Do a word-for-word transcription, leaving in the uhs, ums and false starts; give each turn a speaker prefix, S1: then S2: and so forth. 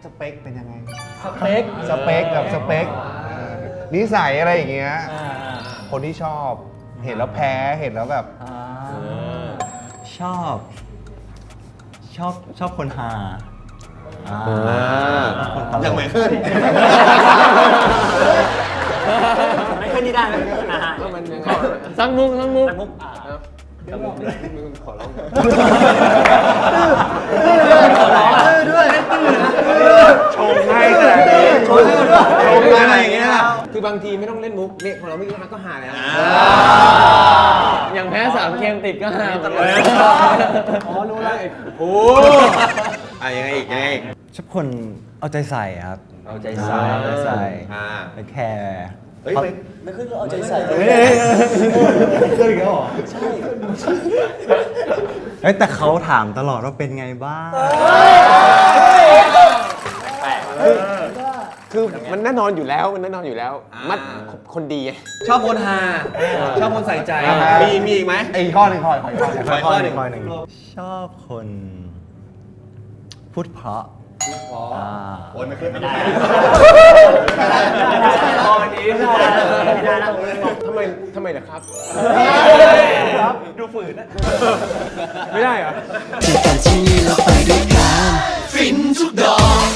S1: สเปคเป็นยังไง
S2: สเปค
S1: สเปคแบบสเปคนิสัยอะไรอย่างเงี้ยคนที่ชอบเห็นแล้วแพ้เห็นแล้วแบบ
S3: ชอบชอบชอบคนฮา
S1: อย่างไมเคิล
S2: ไม่ขึ้นนี่ได้ไหมสังมุกสังมุกสังมุกสังมุกขอร้องขอร้องด้วย
S1: ชงให้แต่ชงชงอะไรอย่างเงี้ย
S4: คือบางทีไม่ต้องเล่นมุกเนี่ยของเราไม่เยอะมันก็หาแล้ว
S2: อย่างแพ้สามเกมติดก็หาตลอดอ๋อรู้แล้ว
S4: โอ้อะยังไงอีกยังไง
S3: ชอบคนเอาใจใส่ครับ
S4: เอาใจใส่
S3: เอาใจใส่
S4: อ่า
S3: ไม่แคร์
S1: เฮ้ย
S2: ไม่ขึ้นก็เอาใจใส่
S1: เฮ้ยขึ้นอีกแล้วเหรอ
S2: ใช่
S3: เฮ้ยแต่เขาถามตลอดว่าเป็นไงบ้าง
S4: คือมันแน่นอนอยู่แล้วมันแน่นอนอยู่แล้วมัดคนดี
S2: ชอบคนฮาชอบคนใส่ใจ
S4: มีมีอีกไหม
S1: ไอ้ข้อหนึ่งข้อข้อข้อข้อหนึ่งข้อหนึ่ง
S3: ชอบคนพูดเพราะ
S4: พูดเพราะ
S1: โอนไม่ขึ้นไม่ได้
S2: พอวันนี้ไม่ได้ไม่ได้
S4: ทำไมทำไมนะครับ
S2: ดูฝืนนะ
S4: ไม่ได้เหรอ
S5: ที่กันที่นี่เราไปด้วยกันฟินทุกดอก